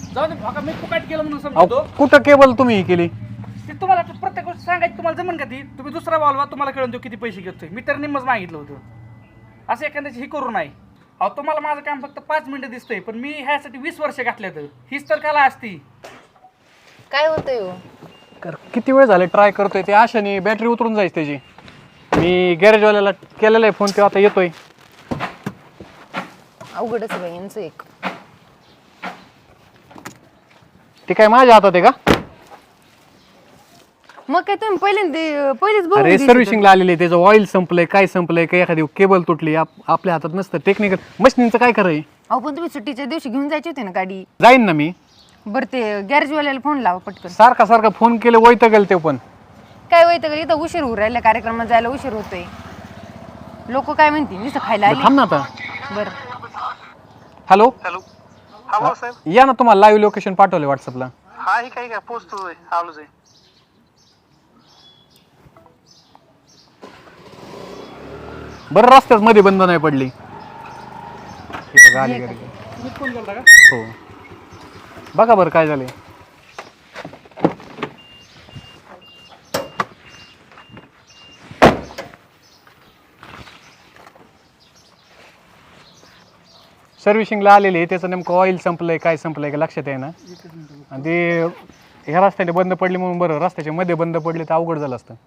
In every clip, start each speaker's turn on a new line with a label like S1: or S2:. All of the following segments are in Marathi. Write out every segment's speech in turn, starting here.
S1: जाऊ दे भाका, मी फुकाट केलं म्हणून
S2: अहो,
S1: समजतो.
S2: कुठं केबल तुम्ही केली?
S1: ते तुम्हाला प्रत्येक गोष्ट सांगायची तुम्हाला जमन का ती? तुम्ही दुसरा बोलवा, तुम्हाला कळून देऊ किती पैसे घेतोय. मी तर निम्मच मागितलं होतं. असं एखाद्याची ही करू नाही. अहो तुम्हाला माझं काम फक्त 5 मिनिटं दिसतंय, पण मी ह्यासाठी 20 वर्ष घातल्यात. हीच तर कला असती.
S3: काय होतंय हो?
S2: किती वेळ झाले ट्राय करतोय, ते आशाने बॅटरी उतरून जायची त्याची. मी गॅरेजवाल्याला केलेला आहे फोन, तो आता येतोय.
S3: अवघडच आहे बाई यांचं एक.
S2: ते काय माझ्या हातात आहे का?
S3: मग काय तुम्ही पहिलेच बघून
S2: अरे
S3: घ्यायची
S2: सर्व्हिसिंगला आलेले, त्याचं ऑइल संपलंय, काय संपलंय, काही एखादी केबल तुटली, आपल्या हातात नसतं. टेक्निकल मशीनचं काय खरं आहे?
S3: तर. अहो पण तुम्ही सुट्टीच्या दिवशी घेऊन जायची होती ना गाडी.
S2: जाईन ना मी.
S3: बरं ते गॅरेजवाल्याला फोन लावा पटकन.
S2: सारखा फोन केले वैत गेल ते पण.
S3: काय होतं इथं उशीर होऊ राहिला, कार्यक्रमात जायला उशीर होतोय. लोक काय म्हणतील, नुसतं खायला आली.
S2: थांब ना आता.
S3: बरं
S2: हॅलो,
S4: हॅलो. हा बोला साहेब.
S2: या ना, तुम्हाला लाईव्ह लोकेशन पाठवले व्हॉट्सअपला.
S4: हा ही काय पोचतोय, आलोच आहे.
S2: बरं रस्त्यात मध्ये बंद नाही पडली. हे बघा, आली गाडी.
S1: तुम्ही फोन केलता का?
S2: हो, बघा बरं काय झालंय. सर्व्हिसिंगला आलेले, त्याचं नेमकं ऑइल संपलंय, काय संपलंय का लक्षात आहे ना. आणि ते ह्या रस्त्याने बंद पडली म्हणून बरं, रस्त्याच्या मध्ये बंद पडले तर अवघड झालं असतं.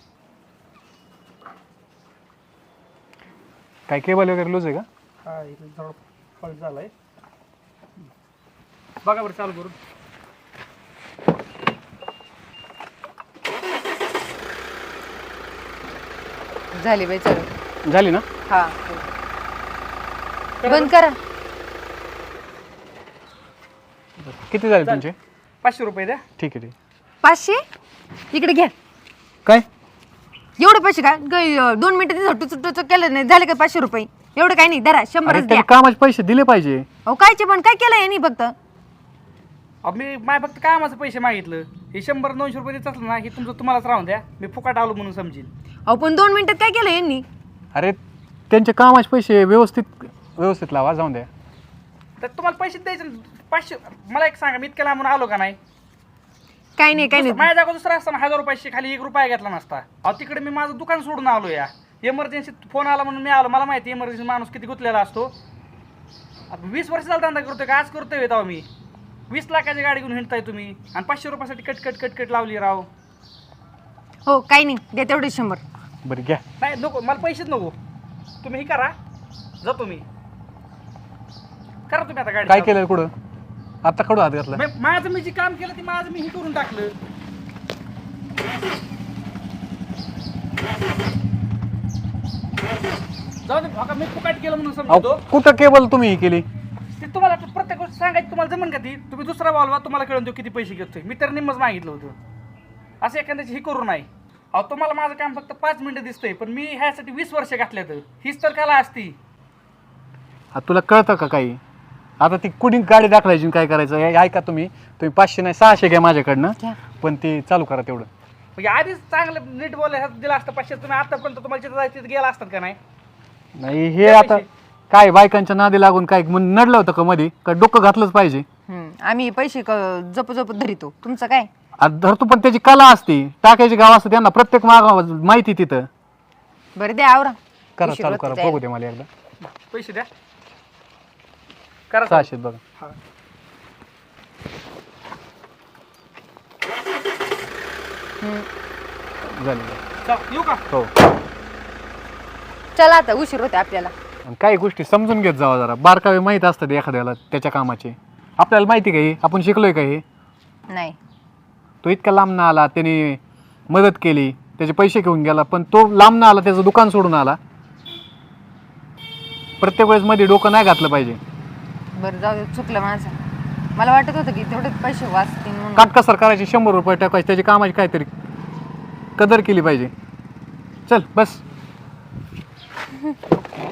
S2: काय केबल वगैरे लूज आहे का?
S1: हा, इथे थोडा फॉल्ट झालाय. बघा बरं चालू करून.
S3: झाली बाई, चल.
S2: झाली ना?
S3: हा बंद करा.
S2: किती झाले तुमचे?
S1: 500 रुपये द्या.
S2: ठीक आहे, ठीक.
S3: 500 इकडे घ्या.
S2: काय
S3: एवढे पैसे काय 2 मिनिटं टुचुटुच केलं नाही झाले का 500 रुपये? एवढं काही नाही, धरा 100च द्या.
S2: त्याला कामाचे पैसे दिले पाहिजे.
S3: अहो कायचे पण काय केलं यांनी फक्त?
S1: अहो मी माय फक्त कामाचं पैसे मागितलं. हे 100-200 रुपये देत असलं ना, हे तुमचं तुम्हालाच राहून द्या. मी फुकाट आलो म्हणून समजेल.
S3: अहो पण 2 मिनिटात काय केलं यांनी?
S2: अरे त्यांचे कामाचे पैसे व्यवस्थित लावा, जाऊन द्या.
S1: तर तुम्हाला पैसे द्यायचे ना. 500 मला एक सांगा, मी इतक्या लांबून आलो का नाही?
S3: काय नाही, काय नाही.
S1: माझ्या जागा दुसरा असताना 1000 रुपयाशी खाली 1 रुपया घेतला नसता. अहो तिकडे मी माझं दुकान सोडून आलो. या इमर्जन्सीत फोन आला म्हणून मी आलो. मला माहिती इमर्जन्सी माणूस किती गुंतलेला असतो. आता 20 वर्ष झाला धंदा करतोय का आज करतोय तेव्हा मी 20 लाखाची गाडी घेऊन हिंडताय तुम्ही आणि 500 रुपयासाठी कटकट लावली राव.
S3: हो काही नाही, द्या तेवढे 100.
S2: बरं घ्या.
S1: नाही नको, मला पैसेच नको. तुम्ही हे करा, जातो मी. करा तुम्ही आता गाडी.
S2: काय केलं कुठं? आता कडू हात घातला.
S1: माझं मी जे काम केलं ते माझं मी हे करून टाकलं. जाऊ दे भाका, मी फुकाट केलं म्हणून समजतो.
S2: अहो, कुठं केबल तुम्ही केली?
S1: ते तुम्हाला प्रत्येक गोष्ट सांगायची तुम्हाला जमन का ती? तुम्ही दुसरा बोलवा, तुम्हाला कळून देऊ किती पैसे घेतोय. मी तर निम्मच मागितलं होतं. असं एखाद्याची ही करू नाही. अहो तुम्हाला माझं काम फक्त 5 मिनिटं दिसतंय, पण मी ह्यासाठी 20 वर्ष घातल्यात. हीच तर कला असती.
S2: तुला कळतं का काही? आता ती कुणी गाडी दाखवायची काय करायचं हे ऐका. तुम्ही 500 नाही 600 घ्या माझ्याकडनं, पण ते चालू करा तेवढं.
S1: म्हणजे आधीच चांगलं नीट बोलायला दिलं असतं 500. तुम्ही आतापर्यंत तुम्हाला जिथं जायचं तिथं गेला असतात का नाही?
S2: नाही हे आता काय बायकांच्या नादी लागून काय नडलं होतं का मध्ये? का डोकं घातलंच पाहिजे?
S3: आम्ही पैसे जप धरितो, तुमचं काय?
S2: धरतो, पण त्याची कला असते, टाकायची गाव असतं त्यांना प्रत्येक माहिती तिथं.
S3: बरं द्या, आवरा.
S2: करा, चालू करा, बघू दे मला एकदा.
S1: पैसे द्या. करा
S2: 600 बघा. झाले.
S1: येऊ का?
S2: हो.
S3: चला आता, उशीर होते आपल्याला.
S2: आणि काही गोष्टी समजून घेत जावा जरा. बारकावे माहीत असतात एखाद्याला त्याच्या कामाचे. आपल्याला माहिती का हे? आपण शिकलोय का हे?
S3: नाही.
S2: तो इतका लांब ना आला, त्याने मदत केली, त्याचे पैसे घेऊन गेला, पण तो लांब ना आला, त्याचं दुकान सोडून आला. प्रत्येक वेळेस मध्ये डोकं नाही घातलं पाहिजे.
S3: बरं जाऊ दे, चुकलं माझं. मला वाटत होतं की तेवढे पैसे वाचतील म्हणून.
S2: काटकसर करायची, 100 रुपये टाकायचे, त्याची कामाची काहीतरी कदर केली पाहिजे. चल बस.